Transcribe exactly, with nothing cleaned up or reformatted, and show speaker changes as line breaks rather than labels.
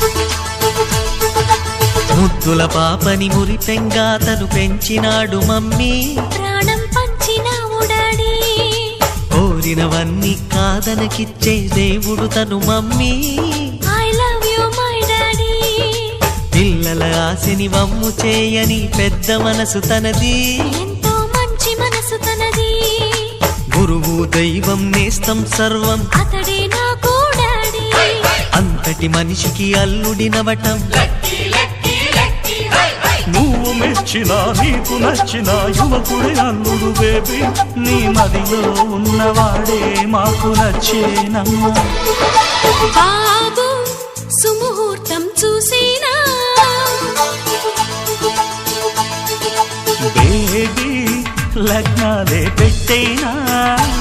ముద్దుల పాపని మురిపెంగా తను పెంచినాడు మమ్మీ,
ప్రాణం పంచినావు డాడీ.
కోరినవన్నీ కాదనకిచ్చే దేవుడు తను mummy,
I love you my daddy.
పిల్లల ఆశని వమ్ము చేయని పెద్ద మనసు తనది,
ఎంతో మంచి మనసు తనది.
గురువు దైవం నేస్తం సర్వం
అతడే నాకు డాడీ.
అంతటి మనిషికి అల్లుడినవటం,
నువ్వు మెచ్చిన నీకు నచ్చిన యువకుడే అల్లుడు బేబీ, నీ మదిలో ఉన్నవాడే మాకు నచ్చేనమ్మా.
బాబు సుముహూర్తం చూసేనా,
బేబీ లగ్నాలే పెట్టేనా.